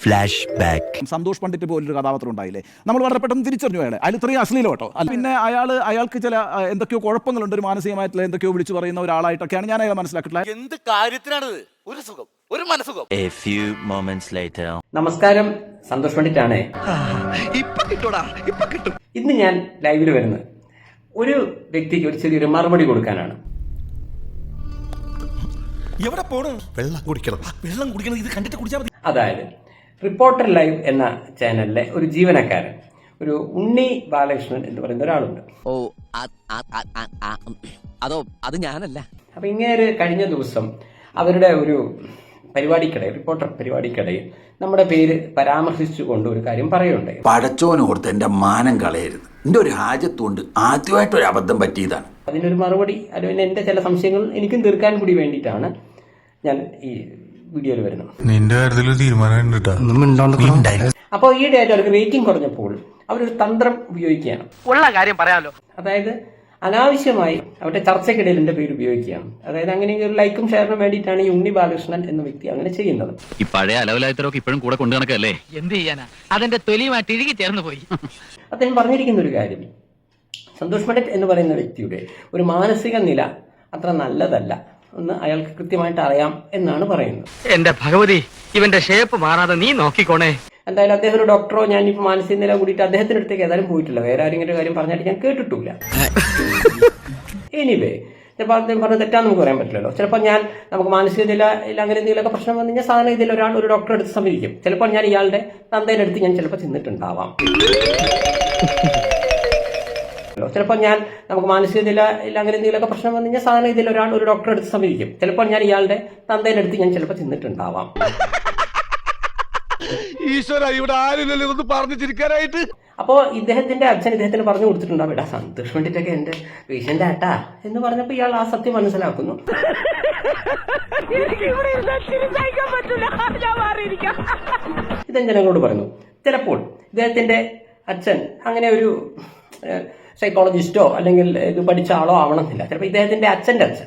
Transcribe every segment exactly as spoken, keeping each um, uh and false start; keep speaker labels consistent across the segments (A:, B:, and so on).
A: Flash back.
B: Santhosh Pandit പോലൊരു കഥാപാത്രം ഉണ്ടായില്ലേ, നമ്മൾ വളരെ പെട്ടെന്ന് തിരിച്ചറിഞ്ഞു അയാളെ. അതിൽ ഇത്രയും അശ്ലീലം കേട്ടോ. പിന്നെ അയാൾ അയാൾക്ക് ചില എന്തൊക്കെയോ കുഴപ്പങ്ങളുണ്ട്, ഒരു മാനസികമായിട്ടുള്ള എന്തൊക്കെയോ വിളിച്ചു പറയുന്ന ഒരാളായിട്ടൊക്കെയാണ് ഞാൻ അയാളെ മനസ്സിലാക്കിയിട്ടുള്ളത്.
C: എന്ത് കാര്യത്തിനാണ് ഒരു സുഖം, ഒരു മനസുഖം.
A: A few moments later.
D: നമസ്കാരം, സന്തോഷ് പണ്ഡിറ്റാണ്. ഇന്ന് ഞാൻ ലൈവിൽ വരുന്നത് ഒരു വ്യക്തിക്ക് ഒരു ചെറിയൊരു മറുപടി കൊടുക്കാനാണ്.
E: എവിടെ പോണു? വെള്ളം കുടിക്കണം, വെള്ളം കുടിക്കണം. ഇത് കണ്ടിട്ട് കുടിച്ചാൽ മതി.
D: അതായത് റിപ്പോർട്ടർ ലൈവ് എന്ന ചാനലിലെ ഒരു ജീവനക്കാരൻ, ഒരു ഉണ്ണി ബാലകൃഷ്ണൻ എന്ന് പറയുന്ന ഒരാളുണ്ട്.
F: ഓ അതോ അത് ഞാനല്ല.
D: അപ്പൊ ഇങ്ങനെ കഴിഞ്ഞ ദിവസം അവരുടെ ഒരു പരിപാടിക്കിടയിൽ, റിപ്പോർട്ടർ പരിപാടിക്കിടയിൽ നമ്മുടെ പേര് പരാമർശിച്ചുകൊണ്ട് ഒരു കാര്യം പറയുണ്ടായി.
G: പടച്ചോനോർത്ത് എന്റെ മാനം കളയരുത്, എന്റെ ഒരു ഹാജത്തുകൊണ്ട് ആദ്യമായിട്ട് ഒരു അബദ്ധം പറ്റിയതാണ്. അതിനൊരു
D: മറുപടി, അല്ലെങ്കിൽ എന്റെ ചില സംശയങ്ങൾ എനിക്കും തീർക്കാൻ കൂടി വേണ്ടിയിട്ടാണ് ഞാൻ ഈ വീഡിയോയിൽ വരുന്നത്.
H: നിന്റെ കാര്യത്തിൽ തീരുമാനം.
D: അപ്പോൾ ഈയിടെയായിട്ട് അവർക്ക് റേറ്റിംഗ് കുറഞ്ഞപ്പോൾ അവരൊരു തന്ത്രം ഉപയോഗിക്കുകയാണ്.
I: ഉള്ള കാര്യം പറയാമല്ലോ.
D: അതായത് അനാവശ്യമായി അവരുടെ ചർച്ചയ്ക്കിടയിൽ എന്റെ പേര് ഉപയോഗിക്കുകയാണ്. അതായത് അങ്ങനെ ഒരു ലൈക്കും ഷെയറിനും വേണ്ടിയിട്ടാണ് ഈ ഉണ്ണി ബാലകൃഷ്ണൻ എന്ന വ്യക്തി അങ്ങനെ ചെയ്യുന്നത്.
J: ഈ പഴയ അലവലായത്തരൊക്കെ ഇപ്പോഴും കൂടെ കൊണ്ടു നടക്കല്ലേ?
I: എന്ത് ചെയ്യാനാ, അതെന്റെ തൊലിയുമായിട്ട് ഇഴുകി ചേർന്ന് പോയി.
D: അദ്ദേഹം പറഞ്ഞിരിക്കുന്ന ഒരു കാര്യം, സന്തോഷ് പണ്ഡിറ്റ് എന്ന് പറയുന്ന വ്യക്തിയുടെ ഒരു മാനസിക നില അത്ര നല്ലതല്ല എന്ന് അയാൾക്ക് കൃത്യമായിട്ട് അറിയാം എന്നാണ് പറയുന്നത്.
I: എന്റെ ഭഗവതി, ഇവന്റെ ഷേപ്പ് മാറാതെ നീ നോക്കിക്കോണേ.
D: എന്തായാലും അദ്ദേഹം ഒരു ഡോക്ടറോ, ഞാനിപ്പോ മാനസിക നില കൂടിയിട്ട് അദ്ദേഹത്തിന്റെ അടുത്തേക്ക് ഏതായാലും പോയിട്ടില്ല. വേറെ ആരെങ്കിലും കാര്യം പറഞ്ഞായിട്ട് ഞാൻ കേട്ടിട്ടില്ല. എനിവേ, ചിലപ്പോൾ അദ്ദേഹം പറഞ്ഞത് തെറ്റാന്ന് നമുക്ക് പറയാൻ പറ്റില്ലല്ലോ. ചിലപ്പോൾ ഞാൻ നമുക്ക് മാനസിക നില അങ്ങനെ എന്തെങ്കിലുമൊക്കെ പ്രശ്നം വന്നു കഴിഞ്ഞാൽ സാധാരണ ഇതിൽ ഒരാൾ ഒരു ഡോക്ടറെ അടുത്ത് സമീപിക്കും. ചിലപ്പോൾ ഞാൻ ഇയാളുടെ തന്തയുടെ അടുത്ത് ഞാൻ ചിലപ്പോൾ ചെന്നിട്ടുണ്ടാവാം. ചിലപ്പോൾ ഞാൻ നമുക്ക് മാനസിക നില അങ്ങനെ എന്തെങ്കിലുമൊക്കെ പ്രശ്നം വന്നു കഴിഞ്ഞാൽ സാധാരണ ഇതിൽ ഒരാൾ ഒരു ഡോക്ടറെ അടുത്ത് സമീപിക്കും. ചിലപ്പോൾ ഞാൻ ഇയാളുടെ തന്തയുടെ അടുത്ത് ഞാൻ ചിലപ്പോൾ ചെന്നിട്ടുണ്ടാവാം.
E: ഈശ്വര, ഇവിടെ ആരില്ലല്ലോ ഇതൊന്ന് പറഞ്ഞു ചിരിക്കാനായിട്ട്.
D: അപ്പോ ഇദ്ദേഹത്തിന്റെ അച്ഛൻ ഇദ്ദേഹത്തിന് പറഞ്ഞു കൊടുത്തിട്ടുണ്ടാവും, എടാ സന്തോഷ് പണ്ഡിറ്റൊക്കെ എന്റെ പേഷ്യന്റ് ആട്ടാ എന്ന് പറഞ്ഞപ്പോ ഇയാൾ ആ സത്യം മനസ്സിലാക്കുന്നു. ഇദ്ദേഹം ജനങ്ങളോട് പറയുന്നു. ചിലപ്പോൾ ഇദ്ദേഹത്തിന്റെ അച്ഛൻ അങ്ങനെ ഒരു സൈക്കോളജിസ്റ്റോ അല്ലെങ്കിൽ ഇത് പഠിച്ച ആളോ ആവണമെന്നില്ല. ചിലപ്പോൾ ഇദ്ദേഹത്തിന്റെ അച്ഛന്റെ അച്ഛൻ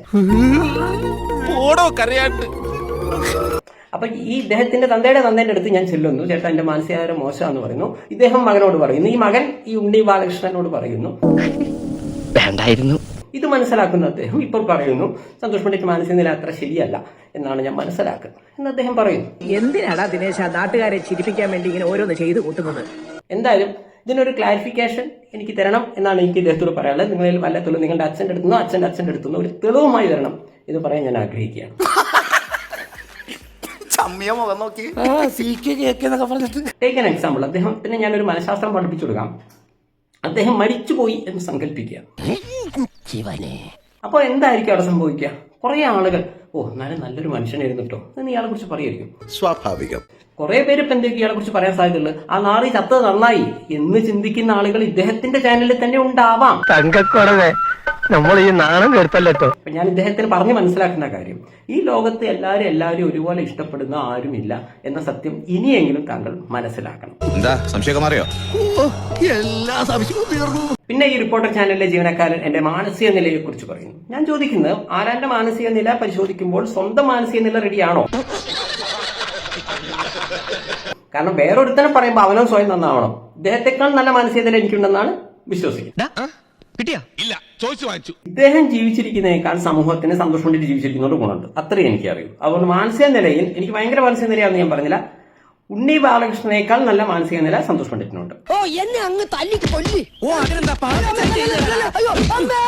D: അപ്പൊ ഈ ഇദ്ദേഹത്തിന്റെ തന്തയുടെ തന്തയുടെ അടുത്ത് ഞാൻ ചെല്ലുന്നു, ചേട്ടാ എന്റെ മാനസികാരോഗ്യം മോശമാണെന്ന് പറയുന്നു. ഇദ്ദേഹം മകനോട് പറയുന്നു, ഈ മകൻ ഈ ഉണ്ണി ബാലകൃഷ്ണനോട് പറയുന്നു
F: വേണ്ടായിരുന്നു.
D: ഇത് മനസ്സിലാക്കുന്ന അദ്ദേഹം ഇപ്പോൾ പറയുന്നു, സന്തോഷ് പണ്ഡിറ്റ് മാനസിക നില അത്ര ശരിയല്ല എന്നാണ് ഞാൻ മനസ്സിലാക്കുന്നത് എന്ന് അദ്ദേഹം പറയുന്നു.
K: എന്തിനാടാ ദിനേശ നാട്ടുകാരെ ചിരിപ്പിക്കാൻ വേണ്ടി ഇങ്ങനെ ഓരോന്ന് ചെയ്തു കൂട്ടുന്നത്?
D: എന്തായാലും ഇതിനൊരു ക്ലാരിഫിക്കേഷൻ എനിക്ക് തരണം എന്നാണ് എനിക്ക് ഇദ്ദേഹത്തോട് പറയാനുള്ളത്. നിങ്ങളിൽ വല്ല തെളിവ് നിങ്ങളുടെ അച്ഛൻ്റെ അടുത്തുനിന്നോ അച്ഛൻ്റെ അച്ഛൻ്റെ അടുത്തുനിന്നോ ഒരു തെളിവുമായി തരണം ഇത് പറയാൻ ഞാൻ ആഗ്രഹിക്കുകയാണ്. Take an example. അദ്ദേഹത്തിന് ഞാനൊരു മനഃശാസ്ത്രം പഠിപ്പിച്ചു കൊടുക്കാം. അദ്ദേഹം മരിച്ചുപോയി എന്ന് സങ്കല്പിക്കുക. അപ്പോൾ എന്തായിരിക്കും അവിടെ സംഭവിക്കുക? കുറെ ആളുകൾ ഓ എന്നാലും നല്ലൊരു മനുഷ്യനായിരുന്നു കേട്ടോ എന്ന് ഇയാളെ കുറിച്ച് പറയായിരിക്കും.
E: സ്വാഭാവികം.
D: കുറെ പേര് ഇപ്പൊ എന്തൊക്കെ ഇയാളെ കുറിച്ച് പറയാൻ സാധ്യതയുള്ളത്, ആ നാറി ചത്തത് നന്നായി എന്ന് ചിന്തിക്കുന്ന ആളുകൾ ഇദ്ദേഹത്തിന്റെ ചാനലിൽ തന്നെ ഉണ്ടാവാം.
I: തങ്കക്കുറവേ, നമ്മൾ ഈ നാണം കേട്ടല്ലോ.
D: ഞാൻ ഇദ്ദേഹത്തിന് പറഞ്ഞു മനസ്സിലാക്കുന്ന കാര്യം, ഈ ലോകത്ത് എല്ലാവരും എല്ലാവരും ഒരുപോലെ ഇഷ്ടപ്പെടുന്ന ആരുമില്ല എന്ന സത്യം ഇനിയെങ്കിലും താങ്കൾ മനസ്സിലാക്കണം.
E: എന്താ സംശയം മാറിയോ?
D: പിന്നെ ഈ റിപ്പോർട്ടർ ചാനലിലെ ജീവനക്കാരൻ എന്റെ മാനസിക നിലയെ കുറിച്ച് പറയുന്നു. ഞാൻ ചോദിക്കുന്നത്, ആരാന്റെ മാനസിക നില പരിശോധിക്കുമ്പോൾ സ്വന്തം മാനസിക നില റെഡിയാണോ? കാരണം വേറൊരുത്തനെ പറയുമ്പോൾ അവനോ സ്വയം നന്നാവണം. ഇദ്ദേഹത്തെക്കാൾ നല്ല മാനസിക നില എനിക്കുണ്ടെന്നാണ് വിശ്വസിക്കുന്നത്. ഇദ്ദേഹം ജീവിച്ചിരിക്കുന്നതിനേക്കാൾ സമൂഹത്തിന് സന്തോഷം കൊണ്ടിട്ട് ജീവിച്ചിരിക്കുന്നതുകൊണ്ട് ഗുണമുണ്ട്, അത്രയും എനിക്കറിയൂ. അതുകൊണ്ട് മാനസിക നിലയിൽ എനിക്ക് ഭയങ്കര മാനസിക നിലയാണെന്ന് ഞാൻ പറഞ്ഞില്ല. ഉണ്ണി ബാലകൃഷ്ണനേക്കാൾ നല്ല മാനസിക നില സന്തോഷ് പണ്ഡിറ്റിനുണ്ട്.
K: ഓ എന്നെ അങ്ങ് തല്ലി കൊല്ലി. ഓ അതിനെന്താ